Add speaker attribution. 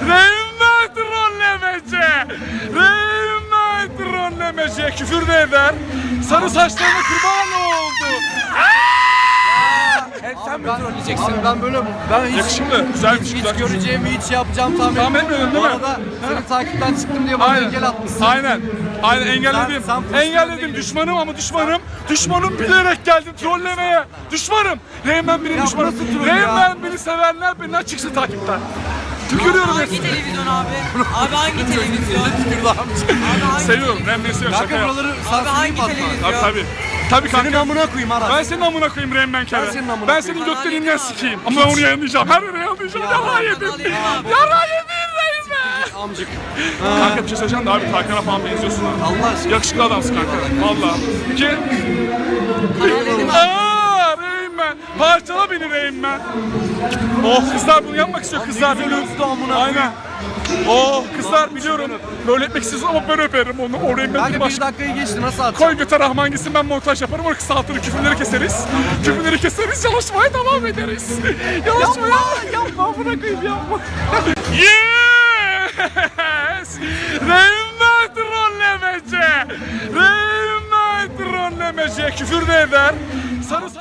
Speaker 1: Reymen trollemece. Reymen trollemece. Küfür de eder. Sarı saçlarına kurban oldu.
Speaker 2: Hep sen mi trolleyeceksin?
Speaker 3: Abi ben böyle hiç
Speaker 1: Yakışıklı. Güzelmiş.
Speaker 3: hiç
Speaker 1: Güzel.
Speaker 3: göreceğimi hiç yapacağım tahmin
Speaker 1: etmiyordun değil
Speaker 3: Bu
Speaker 1: mi?
Speaker 3: arada seni takipten çıktım diye bana engel atmışsın.
Speaker 1: Aynen. Aynen engelledim.
Speaker 3: Sen pozisyonda
Speaker 1: Engelledim
Speaker 3: gidiyorsun.
Speaker 1: düşmanım ama düşmanım. Düşmanım bilerek geldim trollemeye. Düşmanım. Reymen benim
Speaker 3: Ya
Speaker 1: düşmanım.
Speaker 3: nasıl troll ya?
Speaker 1: Reymen beni sevenler benden çıksın takipten. Tükürüyorum
Speaker 4: Hangi
Speaker 1: hepsini.
Speaker 4: televizyon abi? Abi hangi televizyon? Abi hangi
Speaker 1: Seviyorum. Reymen'i seviyorum. Şaka
Speaker 3: Kanka
Speaker 1: yap.
Speaker 3: buraları
Speaker 4: Abi
Speaker 3: sansürleyip
Speaker 4: hangi
Speaker 3: atma.
Speaker 4: televizyon?
Speaker 1: Tabii. Tabii
Speaker 3: Senin
Speaker 1: kanka.
Speaker 3: amına koyayım Aras.
Speaker 1: Ben senin amına koyayım Reymen Kere.
Speaker 3: Ben senin amına
Speaker 1: Ben
Speaker 3: koyayım.
Speaker 1: senin götlerinden
Speaker 4: Kanal
Speaker 1: sikeyim. Ama ben onu yayınlayacağım. Her yere yayınlayacağım. Yara yedim.
Speaker 4: Kanal yedim abi.
Speaker 1: Yara yedim Reymen.
Speaker 3: Amcık.
Speaker 1: Kanka bir şey söyleyeceğim de abi Tarkan'a falan benziyorsun ha.
Speaker 3: Allah aşkına.
Speaker 1: Yakışıklı adamsın kanka. Valla. Ki... Aaa Reymen. Parçala beni Reymen. Oh kızlar bunu yapmak istiyor kızlar.
Speaker 3: güzel öptü amına koyayım.
Speaker 1: Aynen. Oh kızlar biliyorum. Böyle etmek istiyorsun ama ben öperim onu. O Reymen'in
Speaker 3: Kanka bir
Speaker 1: başka.
Speaker 3: dakikayı geçti nasıl atacağım?
Speaker 1: Koy göte Rahman gitsin ben montaj yaparım. Onu kısaltırım. Küfürleri keseriz. Küfürleri keseriz. Çalışmaya devam ederiz. Çalışmaya.
Speaker 3: Yapma bırakayım yapma.
Speaker 1: Yes! Reymen trollemece! Reymen trollemece! Küfür de eder. Sarı